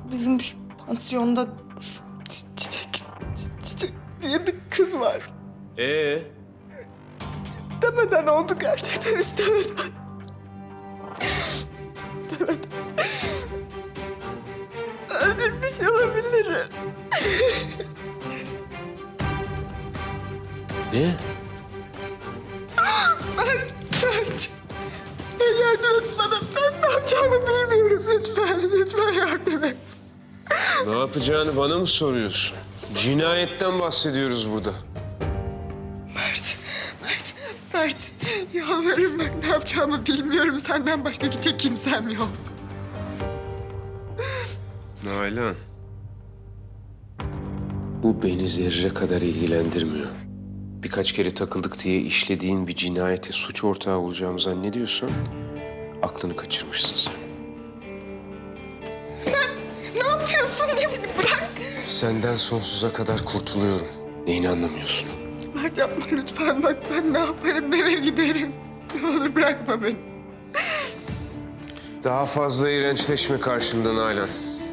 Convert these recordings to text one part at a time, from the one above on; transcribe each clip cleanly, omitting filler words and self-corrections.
Bizim şu pansiyonda Çiçek diye bir kız var. İstemeden oldu gerçekten istemeden. İstemeden. Öldürmüş olabilirim. Ne? Mert. Yardım et bana. Ben ne yapacağımı bilmiyorum. Lütfen yardım et. Ne yapacağını bana mı soruyorsun? Cinayetten bahsediyoruz burada. Mert. Yalvarırım bak ne yapacağımı bilmiyorum. Senden başka gidecek kimsem yok. Nalan. Bu beni zerre kadar ilgilendirmiyor. Birkaç kere takıldık diye işlediğin bir cinayete suç ortağı olacağımı zannediyorsan aklını kaçırmışsın sen. Ne yapıyorsun? Ne beni bırak. Senden sonsuza kadar kurtuluyorum. Neyini anlamıyorsun? Mert yapma lütfen. Bak ben ne yaparım, nereye giderim. Ne olur bırakma beni. Daha fazla iğrençleşme karşımda Nalan.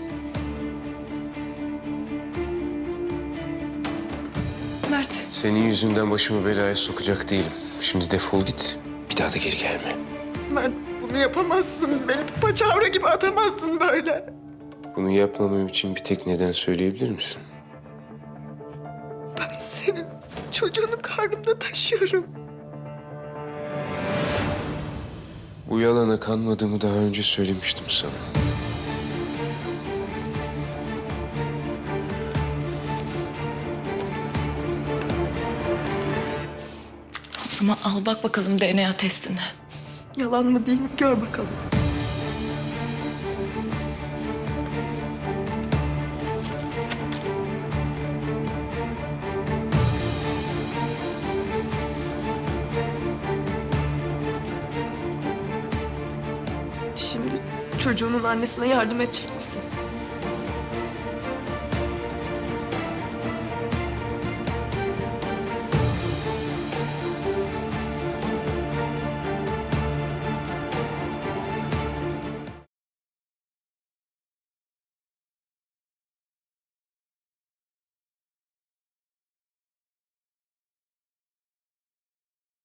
Mert. Senin yüzünden başımı belaya sokacak değilim. Şimdi defol git. Bir daha da geri gelme. Mert bunu yapamazsın. Beni paçavra gibi atamazsın böyle. Bunu yapmamam için bir tek neden söyleyebilir misin? Ben senin çocuğunu karnımda taşıyorum. Bu yalana kanmadığımı daha önce söylemiştim sana. O zaman al bak bakalım DNA testine. Yalan mı değil mi gör bakalım. Şimdi çocuğunun annesine yardım edecek misin?